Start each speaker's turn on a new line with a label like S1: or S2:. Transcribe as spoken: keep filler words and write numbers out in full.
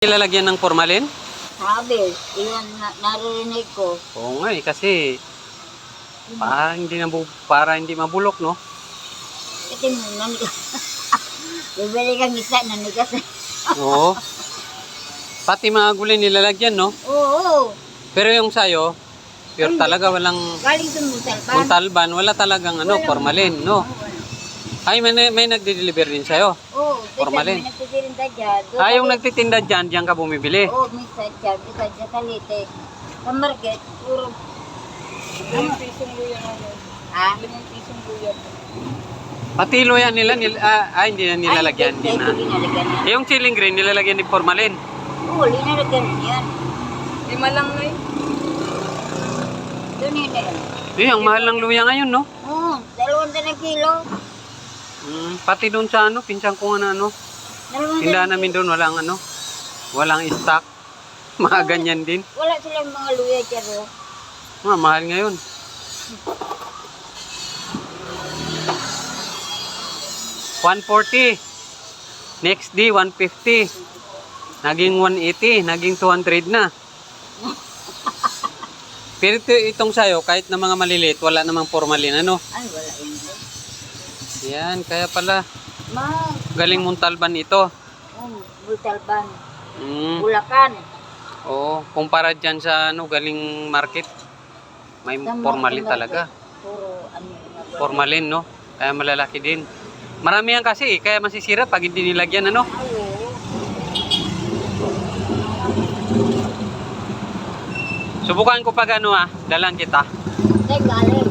S1: Nilalagyan ng formalin?
S2: Sabi, iyan na, naririnig ko.
S1: Oo nga eh, kasi para hindi, nabu para hindi mabulok, no?
S2: Ito mo, nanigas. Bibili kang isa, nanigas.
S1: Oo. Pati mga gulay nilalagyan, no?
S2: Oo.
S1: Pero yung sayo, pure talaga, walang
S2: Galing sa Muntalban.
S1: muntalban, wala talagang ano,
S2: Walang-
S1: formalin, no?
S2: Oo, wala.
S1: Ay, may, may nagde-deliver din sa'yo.
S2: Oo,
S1: Formalin.
S2: May nagtitinda dyan. Doon
S1: Ay, yung
S2: sa-
S1: nagtitinda dyan, dyan ka bumibili.
S2: Oo, minsan dyan. Minsan dyan sa Lite. Sa market, puro. Limang pisong luya ngayon. Ha? Limang pisong luya.
S1: Pati luya nila, nil, ah, ah, hindi na nilalagyan. Hindi
S2: Ay,
S1: na.
S2: hindi nilalagyan yan.
S1: Eh, yung chilling green, nilalagyan ni formalin.
S2: Oo, linalagyan yan.
S3: Lima lang na eh.
S2: Doon yun na yan.
S1: Eh, ang mahal ng luya ngayon, no?
S2: Oo, dalawang na kilo.
S1: Mm, pati doon sa ano, pinsan ko nga na ano.
S2: Dalawang
S1: Tindahan
S2: dalawang
S1: namin doon, walang ano, walang stock. Mga ganyan din.
S2: Wala silang mga luya dyan, oh.
S1: Ah, mahal ngayon. one forty. Next day, one fifty. Naging one eighty. Naging two hundred na. Pero ito, itong sayo, kahit na mga maliliit, wala namang formalin, ano?
S2: Ay, wala yun.
S1: Yan, kaya pala.
S2: Ma,
S1: Galing Muntalban ito.
S2: um, Butalban,
S1: Mm.
S2: Bulacan.
S1: Oo, kumpara dyan sa ano, galing market. May
S2: Sa
S1: formalin
S2: market,
S1: talaga.
S2: Puro, ano yung
S1: Formalin, no? Kaya malalaki din. Marami yan kasi, kaya masisira pag hindi nilagyan, ano?
S2: Ay, oo.
S1: Subukan ko pag ano ah, dalan kita.
S2: Ay, galing.